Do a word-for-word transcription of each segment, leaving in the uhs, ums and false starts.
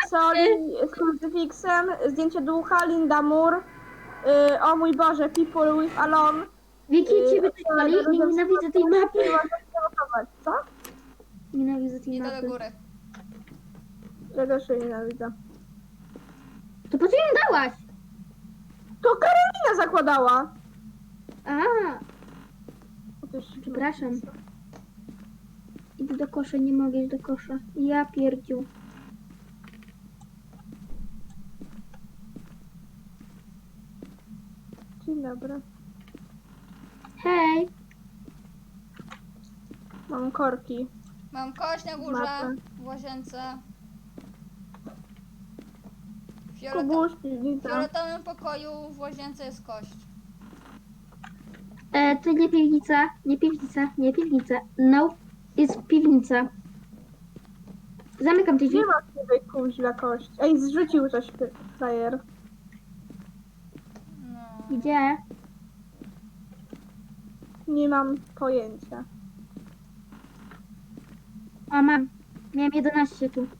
soli z krucyfiksem, zdjęcie ducha, Linda Moore, y, o mój Boże, People with Alone. Wiki, y, ciebie coś boli? Nie nienawidzę tej mapy. Co? Nienawidzę tej Idę do mapy. góry. Ja też jej nienawidzę. To po co ją dałaś? To Karolina zakładała! A, O, to już- przepraszam. Idę do kosza, nie mogę iść do kosza. Ja pierdziu. Dzień dobry. Hej. Mam korki. Mam kość na górze, Mapę. w łazience. W fioleta Kubuś, piwnica. w fioletowym pokoju w łazience jest kość. E, to nie piwnica, nie piwnica, nie piwnica. No, jest piwnica. Zamykam te drzwi. Nie ma tutaj kuźla kości. Ej, zrzucił coś fy- frajer. No. Gdzie? Nie mam pojęcia. O, mam. Miałem jedenaście tu.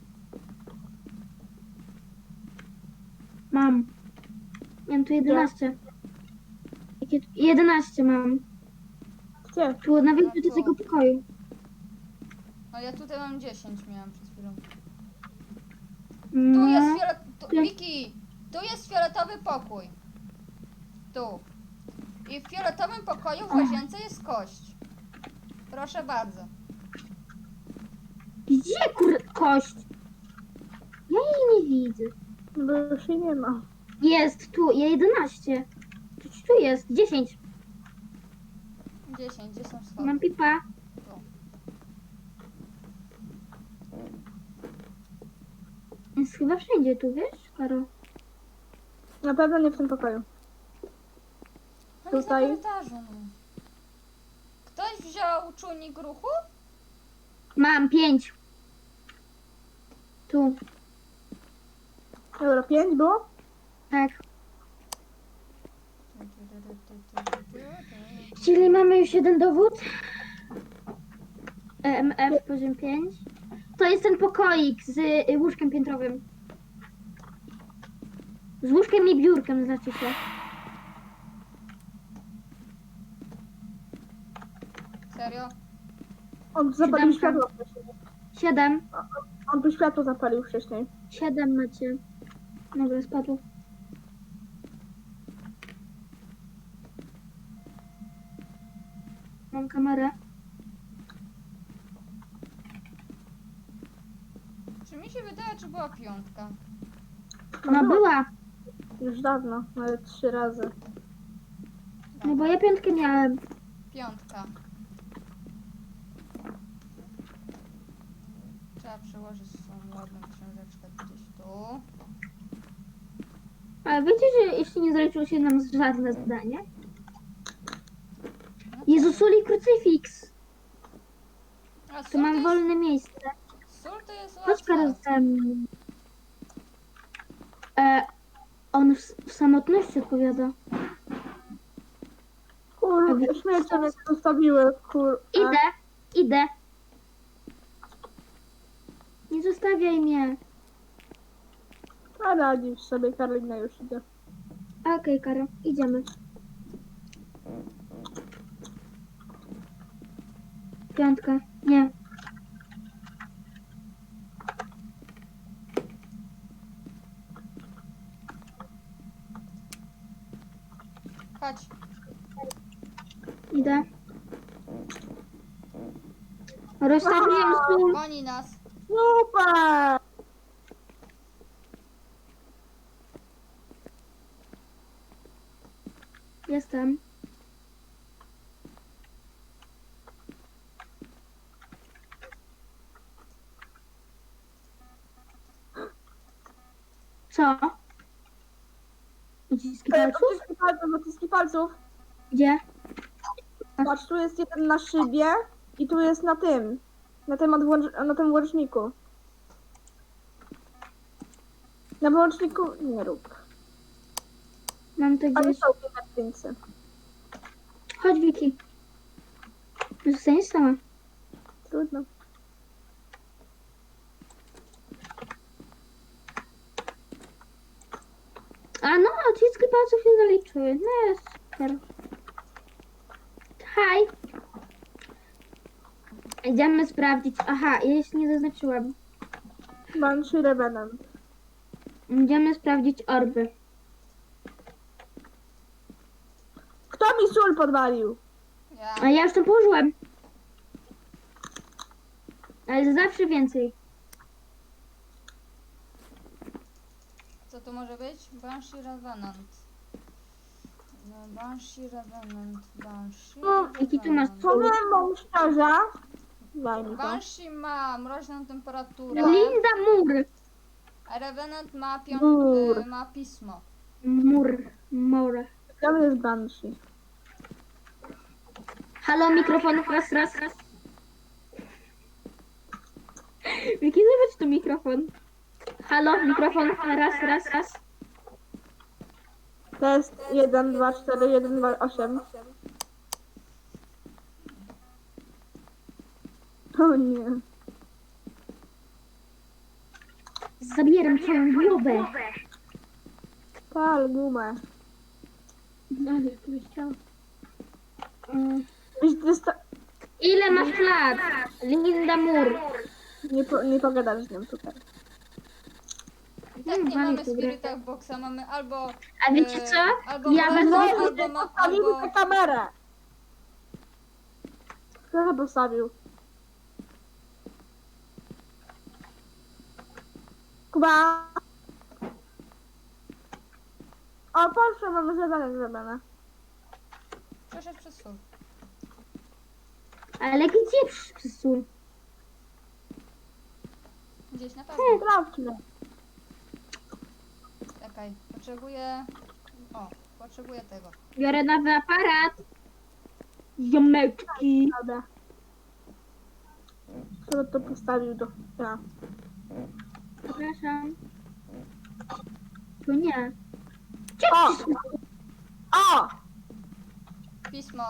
Mam. Miałem tu jedenaście. Jakie tu? jedenaście mam. Gdzie? Tu na wyjściu do tego pokoju. No ja tutaj mam dziesięć, miałam przed chwilą. Tu No. jest fiolet... Tu, Nie. Wiki, tu jest fioletowy pokój. Tu. I w fioletowym pokoju w łazience jest kość. Proszę bardzo. Gdzie kur... kość? Ja jej nie widzę. Bo już jej nie ma. Jest tu, ja jedenaście. Tu, tu jest, dziesięć. dziesięć, gdzie są schody? Mam pipa. Tu. Jest chyba wszędzie tu, wiesz, Karo? Na pewno nie w tym pokoju. On jest na Tutaj. korytarzu. No. Ktoś wziął czujnik ruchu? Mam pięć. Tu, Dobra, pięć było? tak. Czyli mamy już jeden dowód. E M F poziom pięć. To jest ten pokoik z y, łóżkiem piętrowym. Z łóżkiem i biurkiem znaczy się. Serio? On zapalił Siódemka. światło wcześniej. Siedem. On tu światło zapalił wcześniej. Siedem macie. Dobra, spadło. Mam kamerę. Czy mi się wydaje, czy była piątka? No była. Już dawno, nawet trzy razy. No bo ja piątkę miałem. Piątka. Trzeba przełożyć swoją ładną książeczkę gdzieś tu. Ale wiecie, że jeszcze nie zaliczyło się nam żadne zdanie? No Jezu, sól i krucyfiks. A Tu sól mam to wolne miejsce. jest, sól to jest Chodź Karol łatwe. ze mną. E, on w, w samotności odpowiada. Kurde, śmiecie mnie zostawiły, kur... Idę, idę. Nie zostawiaj mnie. A radzisz sobie, Karolina już idzie. Okej, Karol, idziemy. Piątka, nie. Chodź. Idę. Rozstawiłem sól. Goni nas. Super! Jestem. Co? Uciski palców? Odciski palców, odciski palców. Gdzie? Patrz, tu jest jeden na szybie i tu jest na tym. Na tym, odłącz- na tym łączniku. Na wyłączniku nie rób. Mam to Ale gdzieś. są pieniądze. Chodź, Wiki. Zostaniesz sama. Trudno. A no, odciski palców się zaliczyły. No jest super. Haj. Idziemy sprawdzić. Aha, ja jeszcze nie zaznaczyłam. Banshee Revenant. Idziemy sprawdzić orby. Kto mi sól podwalił? Ja. A ja już to położyłem. Ale zawsze więcej. Co to może być? Banshee Revenant. No, Banshee Revenant. Banshee No, jaki ty masz Revenant. Powiem wam szczerze. Daj mi to. Banshee ma mroźną temperaturę, Linda Mur. a Revenant ma, pią- Mur. y, ma pismo. Mur. Mur. Tam jest Banshee. Halo, mikrofon, raz, raz, raz. Jaki zobacz tu mikrofon. Halo, mikrofon, raz, raz, raz. Test jeden, dwa, cztery, jeden, dwa, osiem. O nie. Zabieram twoją głowę. Pal gumę. No, ale tu byś chciał. Mm. Byś dysta... Ile masz lat? Linda Mur. Nie, po, nie pogadasz z nią tutaj. I tak Hmm, nie mamy mamy tu grę. Spiritach Boxa, mamy albo... A wiecie y, co? Albo Ja mroźną, będę- albo, ma, Postawił albo... tę kamerę. Kto to postawił? Kuba. O, proszę, mamy zadanie zrobione. Przeszedł przez sól. Ale gdzie przysun? Gdzieś na pewno. Sprawdźmy. Czekaj, potrzebuję... O, potrzebuję tego. Biorę nowy aparat. Ziomeczki. Dobra. Kto to postawił do... Ja. Przepraszam. Tu nie. O! O! Pismo.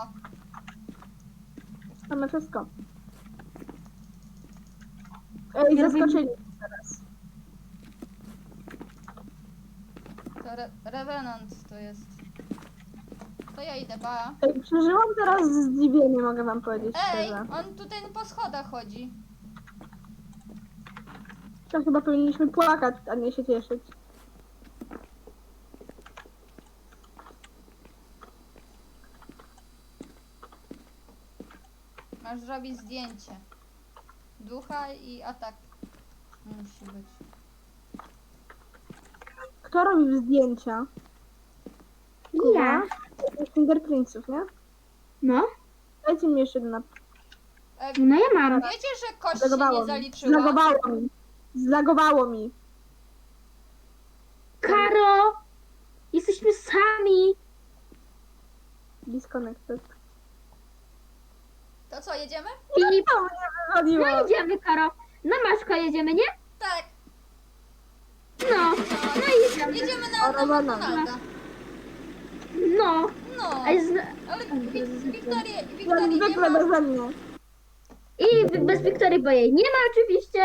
Mamy wszystko. Ej, Ja zaskoczyli teraz. To re Revenant to jest. To ja idę, ba. Ej, przeżyłam teraz zdziwienie, mogę wam powiedzieć Ej, szczerze. on tutaj po schodach chodzi. To chyba powinniśmy płakać, a nie się cieszyć. Masz zrobić zdjęcie. Ducha i atak. Musi być. Kto robił zdjęcia? Ja. Fingerprintsów, nie? No. Dajcie mi jeszcze jedna. E, No ja mam. wiecie, że kość się Zlagowało nie mi. zaliczyła? Zlagowało mi. Zlagowało mi. Karo! Jesteśmy sami. Disconnected. To co, jedziemy? I To mnie wywaliło. no idziemy, Karo. Na Maszko jedziemy, nie? Tak. No. No i jedziemy. Jedziemy na, na Rowana. McDonalda. No. No. A jest... Ale Wik- Wiktorii, Jak Wiktorii nie zwykle ma. beze mnie. I bez Wiktorii, bo jej nie ma oczywiście.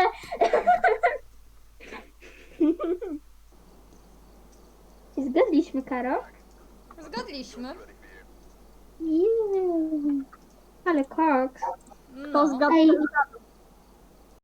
Zgadliśmy, Karo. Zgadliśmy. Jezu. Ale koks. To No. zgadł. Ej.